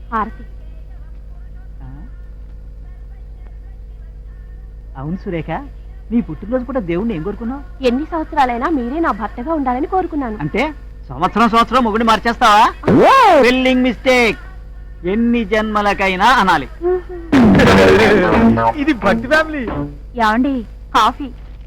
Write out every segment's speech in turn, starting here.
హారతి. అవును సురేఖ, నీ పుట్టినరోజు కూడా దేవుణ్ణి ఏం కోరుకున్నావు? ఎన్ని సంవత్సరాలైనా మీరే నా భర్తగా ఉండాలని కోరుకున్నాను. అంటే సంవత్సరం మొగుడిని మార్చేస్తావా? Spelling mistake. ఎన్ని జన్మలకైనా అనాలి. ఇది భక్తి ఫ్యామిలీ. యాండి కాఫీ.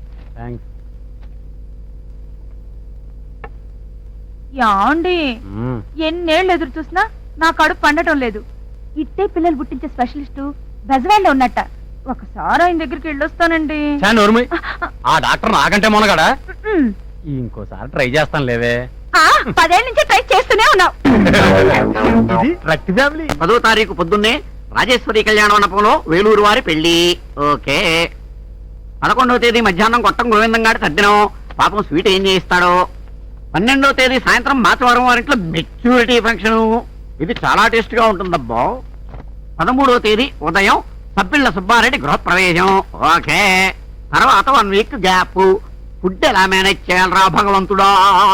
యాండి ఎన్నేళ్ళు ఎదురు చూసినా నా కడుపు పండటం లేదు. ఇట్టే పిల్లలు పుట్టించే స్పెషలిస్టు బెజవాడలో ఉన్నట్ట. ఒకసారి ఆయన దగ్గరికి వెళ్ళొస్తానండి. ఆ డాక్టర్ నాకంటే మొనగాడా? ఇంకోసారి ట్రై చేస్తాను లేవే. 10 ఏళ్ళ నుంచి ట్రై చేస్తూనే ఉన్నావు. ఇది భక్తి ఫ్యామిలీ. 10వ తారీఖు పొద్దున్నే రాజేశ్వరి కళ్యాణ మండపంలో వేలూరు వారి పెళ్లి. ఓకే. 11వ తేదీ మధ్యాహ్నం కొట్టం గోవిందం గారి తద్దినం. పాపం స్వీట్ ఏం చేయిస్తాడో. 12వ తేదీ సాయంత్రం మాచవరం వారింట్లో మెచ్యూరిటీ ఫంక్షన్. ఇది చాలా టేస్ట్ గా ఉంటుందబ్బా. 13వ తేదీ ఉదయం సబ్బిళ్ళ సుబ్బారెడ్డి గృహప్రవేశం. ఓకే. తర్వాత 1 వీక్ గ్యాప్. ఫుడ్ ఎలా మేనేజ్ చేయాలరా భగవంతుడా?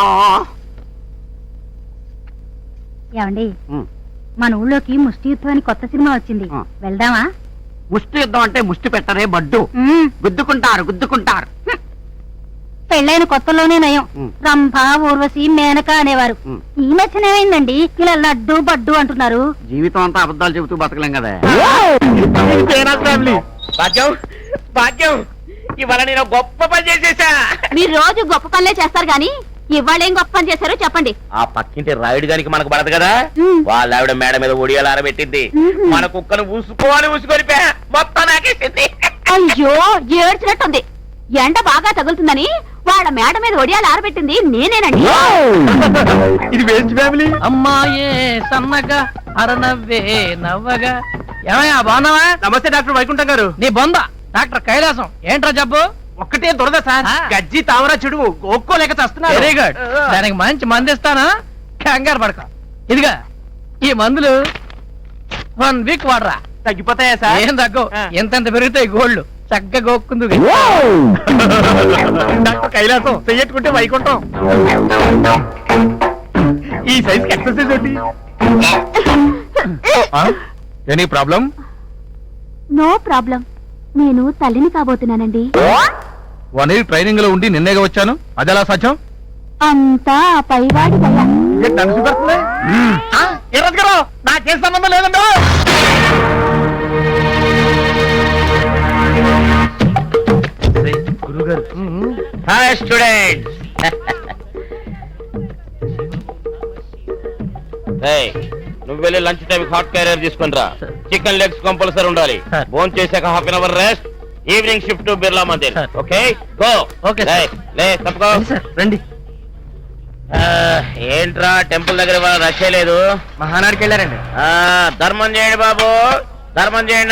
ఏమండి, మన ఊళ్ళోకి ముష్టి యుద్ధం అని కొత్త సినిమా వచ్చింది, వెళ్దామా? ముష్టి యుద్ధం అంటే ముష్టి పెట్టరే బడ్డు. గుద్దుకుంటారు. పెళ్ళైన కొత్తలోనే నయం. రంభ, ఊర్వశి, మేనక అనేవారు. ఈ మధ్యన ఏమైందండి ఇలా లడ్డు బడ్డు అంటున్నారు? జీవితం అంతా అబద్ధాలు చెబుతూ బతకలేం కదా. భాగ్యం, ఇవాళ నేను గొప్ప పని చేసేసా. మీరు రోజు గొప్ప పనులే చేస్తారు గాని ఇవాళ ఏం గొప్ప పని చేశారో చెప్పండి. ఆ పక్కింటి రాయుడు గారికి మనకు పడదు కదా, వాళ్ళ ఆవిడ మేడ మీద ఒడియాలు ఆరబెట్టింది. మన కుక్కను ఊసుకొని మొత్తం నాకేసింది. అయ్యో, ఏడ్చినట్టుంది. ఎండ బాగా తగులుతుందని వాళ్ళ మేడ మీద ఒడియాలు ఆరబెట్టింది నేనేనండి. ఇది వేస్ట్ ఫ్యామిలీ. అమ్మాయే సన్నగా అరనవ్వే నవ్వగా. ఏమయ్యా బాగున్నావా? నమస్తే డాక్టర్ వైకుంఠం గారు. నీ బొంద డాక్టర్ కైలాసం. ఏంట్రా జబ్బు? ఒక్కటే దొరద సార్. గజ్జి తావరా చెడు ఒక్కోలేక చేస్తున్నా. Very good. దానికి మంచి మందు ఇస్తానా, కంగారు పడక. ఇదిగా ఈ మందులు 1 వీక్ వాడరా, తగ్గిపోతాయా సార్? ఏం తగ్గు. ఎంతెంత పెరుగుతాయి గోల్డ్. చక్కగా గోక్కుందు. డాక్టర్ కైలాసం చెయ్యట్టుకుంటే వైకుంఠం. ఈ సైజ్ ఎక్సర్సైజ్ ఏంటి? Any problem? No problem. నేను తల్లిని కాబోతున్నానండి. 1 year ట్రైనింగ్ లో ఉండి నిన్నేగా వచ్చాను. అదెలా సాధ్యం? అంతా ఆ పైవాడి దయ. నాకే సంబంధం లేదండి. గురుగారు. Hi students. నువ్వు వెళ్ళి లంచ్ టైం హాట్ క్యారియర్ తీసుకుని రా. చికెన్ లెగ్స్ కంపల్సరీ ఉండాలి. భోజనం చేశాక ½ hour rest. Evening shift to Birla Mandir. Okay go. Okay లే తప్పుకో. రండి. ఏంట్రా టెంపుల్ దగ్గర వాళ్ళ రష్ లేదు? మహానాడికి వెళ్ళారండి. ధర్మం చేయండి బాబు, ధర్మం చేయండి.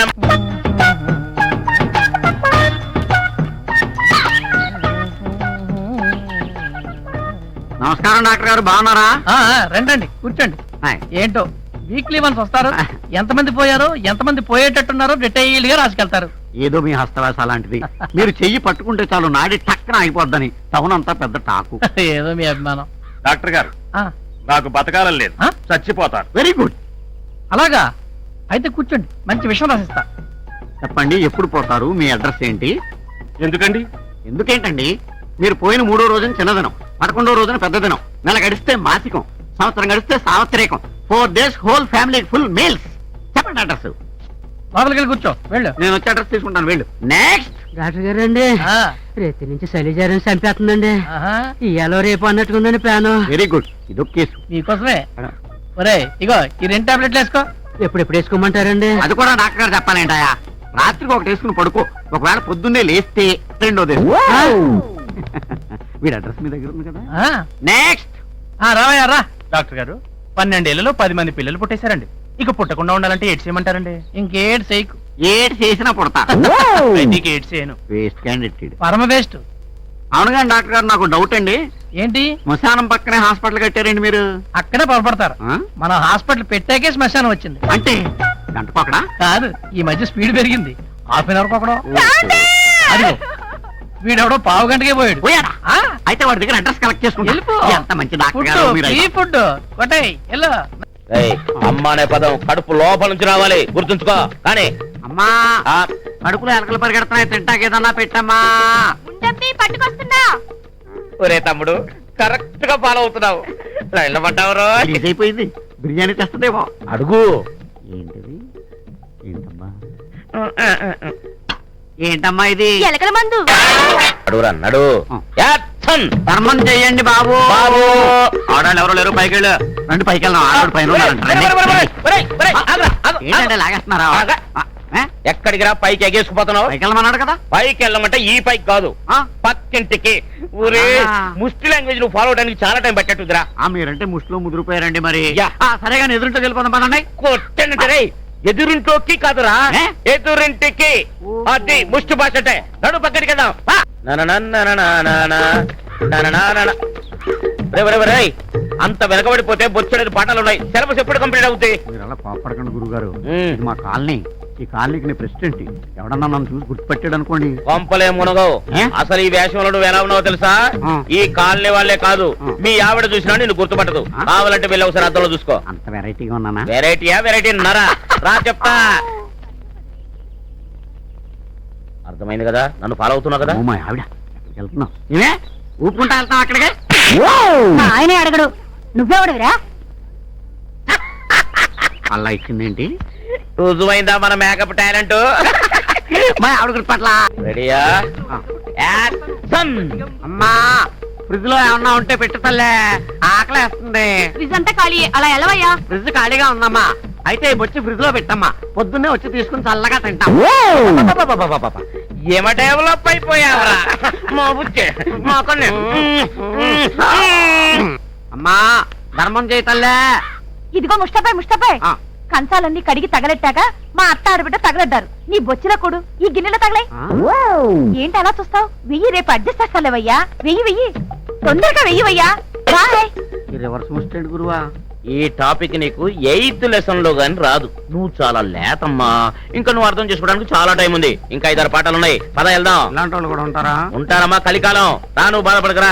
నమస్కారం డాక్టర్ గారు, బాగున్నారా? రండి కూర్చోండి. ఏంటో వీక్లీ వన్స్ వస్తారు. ఎంతమంది పోయారో ఎంతమంది పోయేటట్టున్నారో డీటెయిల్ గా రాసుకెళ్తారు. ఏదో మీ హస్తవాస అలాంటిది. మీరు చెయ్యి పట్టుకుంటే చాలు నాడి టక్కన అయిపోద్దని టౌన్ అంతా పెద్ద టాకు. ఏదో మీ అభిమానం. డాక్టర్ గారు, నాకు బతకాలని లేదు, చచ్చిపోతారు. Very good. అలాగా అయితే కూర్చోండి, మంచి విషయం రాసిస్తా. చెప్పండి, ఎప్పుడు పోతారు? మీ అడ్రస్ ఏంటి? ఎందుకండి? ఎందుకేంటండి? మీరు పోయిన 3వ రోజున చిన్నదినం, 11వ రోజున పెద్ద దినం, నెల గడిస్తే మాసికం, సంవత్సరం గడిస్తే సావత్రికం, 4 days whole family full meals. చెప్పండి అడ్రస్. లోపలికి వెళ్ళి కూర్చో. వెళ్ళు. నేను వచ్చి అడ్రస్ తీసుకుంటాను. వెళ్ళు. నెక్స్ట్. డాక్టర్ గారు అండి, రేతి నుంచి శైలజారం చంపేస్తుందండి. ఇయాలో రేపు అన్నట్టుకుందండి ప్లాను. Very good. ఇదొక కేసు మీకోసమే. ఒరే ఇగో ఈ 2 టాబ్లెట్లు వేసుకో. ఎప్పుడెప్పుడు వేసుకోమంటారండి? అది కూడా డాక్టర్ గారు చెప్పాలేంటాయా? రాత్రికి ఒకటి వేసుకుని పడుకో, ఒకవేళ పొద్దున్నే లేస్తే రెండోది. వీడి అడ్రస్ మీ దగ్గర ఉంది కదా. నెక్స్ట్. రావయ్యా రా. డాక్టర్ గారు, 12 ఏళ్లలో 10 మంది పిల్లలు పుట్టేశారండి. ఇక పుట్టకుండా ఉండాలంటే ఏడ్ చేయమంటారండి? ఇంకేడ్ చేయకు. ఏడ్ చేసినా పుడతా. ఏడ్ చేయను. Waste candidate. పరమ వేస్ట్. అవును కానీ డాక్టర్ గారు, నాకు డౌట్ అండి. ఏంటి? శ్మశానం పక్కనే హాస్పిటల్ కట్టారండి మీరు. అక్కడే పొరపడతారు. మన హాస్పిటల్ పెట్టాకే శ్మశానం వచ్చింది. అంటే గంట పక్కడా కాదు, ఈ మధ్య స్పీడ్ పెరిగింది. ½ అవర్ కొకడో. అదిగో వీడెవడో 1/2 గంటకే పోయాడు. పోయాడా? అయితే వాడి దగ్గర అడ్రస్ కలెక్ట్ చేసుకుంటా. ఎంత మంచి డాక్టర్ గారు మీరు. ఫుడ్ కొట్టాయి. ఏయ్, అమ్మ అనే పదం కడుపు లోపల నుంచి రావాలి, గుర్తుంచుకో. కానీ అమ్మా ఆ, కడుపులో ఎలకలు పరిగెడుతున్నాయి, తింటాకేదన్నా పెట్టమ్మా. పట్టుకొస్తున్నా. ఒరే తమ్ముడు, కరెక్ట్ గా ఫాలో అవుతున్నావు. లైన్లో పడ్డావురో. రిలీజ్ అయిపోయింది, బిర్యానీ తెస్తుందేమో. అడుగు. ఏంటిది? ఏంటమ్మా ఏంటమ్మా ఇది? ఎలకల మందు. అడుగురా నడు. యాక్షన్. ధర్మం చెయ్యండి బాబు. బాబు. ఆడాళ్ళు ఎవరు లేరు, పైకి వెళ్ళు. రండి పైకి వెళ్దాం. ఆడాడు పైన ఉన్నారంట. రండి. ఏంటంటే లాగేస్తున్నారా? ఎక్కడికి రా, పైకి ఎగేసుకుపోతున్నావు? పైకి వెళ్ళమన్నాడు కదా. పైకి వెళ్ళమంటే ఈ పైకి కాదు, ఆ? పక్కింటికి. ఊరే ఆ. ముష్టి లాంగ్వేజ్ నువ్వు ఫాలో అవడానికి చాలా టైం పట్టేట్టుదిరా. మీరంటే ముష్టిలో ముదిరిపోయారండి మరి. యా. సరే కానీ ఎదురుంటే వెళ్ళిపోదాం పదండి. కొట్టండి రే. ఎదురింటోకి కాదురా, ఏ? ఎదురింటికి. అది ముష్టి భాష అంటే. నడు పక్కడికి వెళ్దాం. రేయ్, అంత వెనకబడిపోతే బొచ్చడేది పాఠాలు ఉన్నాయి. సిలబస్ ఎప్పుడు కంప్లీట్ అవుతాయి? మీరు అలా కోపడకండి గురుగారు. ఇది మా కాలనీ. ఈ కాలనీకి నేను ప్రెసిడెంట్. ఎవడన్నా నన్ను చూసి గుర్తుపెట్టాడు అనుకోండి. కొంపలే మునగవు. ఏ? అసలు ఈ వేషంలో నువ్వు ఎలా ఉన్నావో తెలుసా? ఆ. ఈ కాలనీ వాళ్ళే కాదు, మీ ఆవిడ చూసినా నిన్ను గుర్తుపట్టదు. ఆ. కావాలంటే వెళ్ళి ఒకసారి అద్దంలో చూసుకో. అంత వెరైటీగా ఉన్నానా? వెరైటీయా? వెరైటీ నరా. రా చెప్తా. అర్థమైంది కదా, నన్ను ఫాలో అవుతున్నావు కదా. ఓ మా ఆవిడ, ఎక్కడికి వెళ్తున్నావు? నేనే ఊపుకుంటా వెళ్తాం అక్కడికి. ఆయనే అడగడు, నువ్వెవడవిరా? అలా ఇచ్చిందేంటి? రుజువైందా మన మేకప్ టాలెంట్? మా ఆవిడ గుర్తుపట్ల. రెడీయా? యాక్షన్. అమ్మా ఫ్రిడ్జ్ లో ఏమన్నా ఉంటే పెట్టు తల్లే, ఆకలేస్తుంది. ఫ్రిజ్ అంతా ఖాళీ, అలా ఎలవయ్యా. ఫ్రిడ్జ్ ఖాళీగా ఉందమ్మా. అయితే వచ్చి ఫ్రిడ్జ్ లో పెట్టమ్మా, పొద్దున్నే వచ్చి తీసుకుని చల్లగా తింటాం. ఏమ డెవలప్ అయిపోయావరా మా బుచ్చే, మా కొన్నే. అమ్మా ధర్మం చేయి తల్లే. ఇదిగో ముష్టపై ఆ. కంచాలన్నీ కడిగి తగలెట్టాక మా అత్త ఆడబిడ్డ తగలడ్డారు. నీ బొచ్చిన కొడు ఈ గిన్నెలో తగలై. ఆ? ఏంటి అలా చూస్తావు? వెయ్యి, రేపు అడ్జస్ట్ చేస్తాలేవయ్యా. వెయ్యి తొందరగా వెయ్యవయ్యా. బాయ్. ఈ రివర్స్ ముస్టెంట్ గురువా. ఈ టాపిక్ నీకు 8th లెసన్ లో గాని రాదు. నువ్వు చాలా లేతమ్మా. ఇంకా నువ్వు అర్థం చేసుకోవడానికి చాలా టైం ఉంది. ఇంకా 5-6 పాఠాలు ఉన్నాయి. పద వెళ్దాం. ఇలాంటి వాళ్ళు కూడా ఉంటారా? ఉంటారమ్మా, కలికాలం. రా, నువ్వు బాధపడకరా.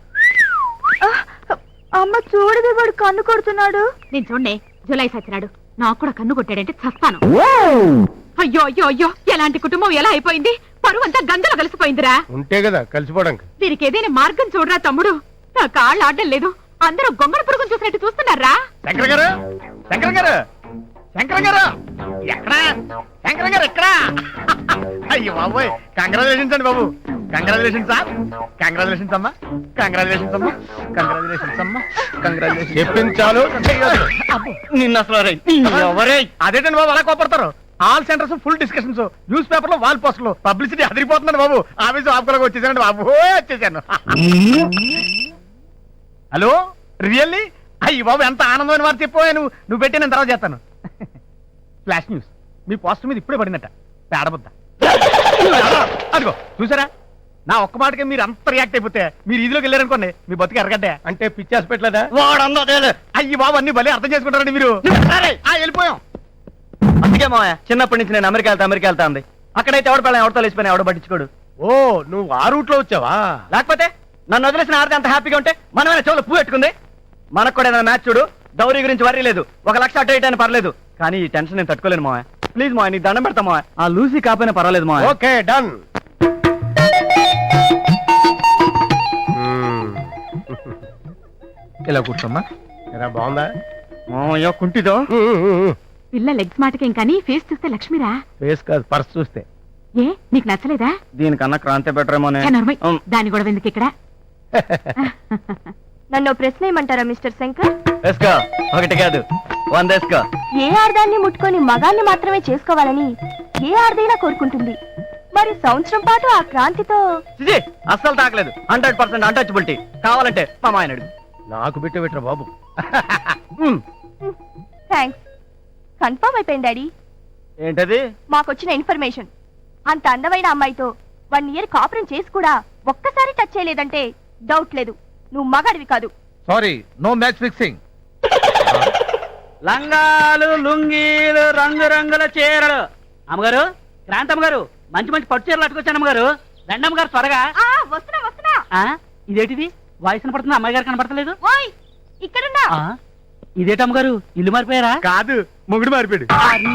అమ్మ చూడదు, వాడు కన్ను కొడుతున్నాడు. నేను చూడండి, జులై సచ్చినాడు. నాకు కూడా కన్ను కొట్టాడంటే చస్తాను. అయ్యో అయ్యో అయ్యో, ఎలాంటి కుటుంబం ఎలా అయిపోయింది? పరువు అంతా గంగలో కలిసిపోయిందిరా. ఉంటే కదా కలిసిపోవడానికి. దీనికి ఏదైనా మార్గం చూడరా తమ్ముడు. నా కాళ్ళు ఆడడం లేదు. అందరూ గొంగళ పురుగును చూసినట్టు చూస్తున్నారా? శంకర్ గారు, శంకర్ గారు, శంకర్ గారు ఎక్కడా? శంకర్ గారు ఎక్కడా? అయ్యో బాబోయ్, కంగ్రాచులేషన్స్ అండి బాబు. Congratulations sir. కంగ్రాచులేషన్స్ అమ్మా. కంగ్రాచులేషన్స్ అమ్మా. కంగ్రాచులేషన్స్ అమ్మా. కంగ్రాచులేషన్స్. చెప్పించాలు. నిన్న అసలు అదేంటండి బాబు అలా కోపడతారు? All centres full discussions, newspaper లో వాల్ పోస్టర్లు, పబ్లిసిటీ అదిరిపోతుందండి బాబు. ఆఫీసు ఆపుకోలేక వచ్చేసానండి బాబు, వచ్చేసాను. Hello, really? అయ్యి బాబు, ఎంత ఆనందమైన వారు చెప్పావు. నువ్వు పెట్టి నేను తర్వాత చేస్తాను. ఫ్లాష్ న్యూస్, మీ పోస్టర్ మీద ఇప్పుడే పడిందట. పేడబుద్ద. అదిగో చూసారా, నా ఒక్క మాటకే మీరు అంత రియాక్ట్ అయిపోతే మీరు ఇదిలోకి వెళ్ళారనుకోండి, మీ బతుకు ఎరగడ్డే. అంటే పిచ్చి హాస్పిటల్ అయ్యి బాబు, అన్ని భలే అర్థం చేసుకుంటారండి మీరు. వెళ్ళిపోయాం. అందుకే మా చిన్నప్పటి నుంచి నేను అమెరికా వెళ్తా అంది. అక్కడైతే ఎవడ పిల్లలు ఎవరితో లేచిపోయినా ఎవడ పట్టించుకోడు. ఓ, నువ్వు ఆ రూట్ లో వచ్చావా? లేకపోతే నన్ను వదిలేసిన ఆడితే అంత హ్యాపీగా ఉంటే మనమైన చెవులు పువ్వు పెట్టుకుంది. మనకు కూడా ఏదైనా మ్యాచ్ చూడు, డౌరీ గురించి వరీ లేదు. 1 లక్ష అటు ఇటు అయినా పర్లేదు, కానీ ఈ టెన్షన్ నేను తట్టుకోలేను మావయ్య. ప్లీజ్ మావయ్య, నీకు దండం పెడతా మావయ్య. ఆ లూసీ కాపోయినా పర్వాలేదు మావయ్య. Okay, done. ఇలా కూర్చోమ్మా. ఎలా బాగుందా మావయ్య కుంటితో? పిల్ల లెగ్స్ మాటకేం కానీ ఫేస్ చూస్తే లక్ష్మిరా. ఫేస్ కాదు, పర్స్ చూస్తే. ఏ నీకు నచ్చలేదా? దీనికన్నా క్రాంతి బెటరేమోనే. దాని కూడా ఎందుకు ఇక్కడ? నన్ను ప్రశ్న ఏమంటారా మిస్టర్ శంకర్? వేసుకో, ఒకటి కాదు 100 వేసుకో. ఏ ఆర్దాన్ని ముట్టుకొని మగాన్ని మాత్రమే చేసుకోవాలని ఏ ఆర్దైనా కోరుకుంటుంది. మరి సంవత్సరం పాటు ఆ క్రాంతితో చిజీ, అస్సలు తాకలేదు. 100% అన్టచబిలిటీ. కావాలంటే మా మాయన అడుగు. నాకు పెట్టరా బాబు. థ్యాంక్స్. కన్ఫర్మ్ అయిపోయింది డాడీ. ఏంటది? మాకొచ్చిన ఇన్ఫర్మేషన్, అంత అందమైన అమ్మాయితో 1 ఇయర్ కాపురం చేసి కూడా ఒక్కసారి టచ్ చేయలేదంటే డౌట్ లేదు, నువ్వు మగాడివి కాదు. Sorry, no match fixing. లంగాలు, లుంగీలు, రంగురంగుల చీరలు. అమ్మగారు, క్రాంతమ్మగారు, మంచి మంచి పట్టు చీరలు అట్టుకొచ్చాను అమ్మగారు. రండమ్మగారు త్వరగా. వస్తున్నా. ఇదేంటిది? వాయిస్ కనపడుతుంది, అమ్మాయి గారు కనపడతలేదు. ఓయ్ ఇక్కడున్నా. ఇదేటమ్మ గారు ఇల్లు మారిపోయారా కాదు మొగుడు మారిపోయాడు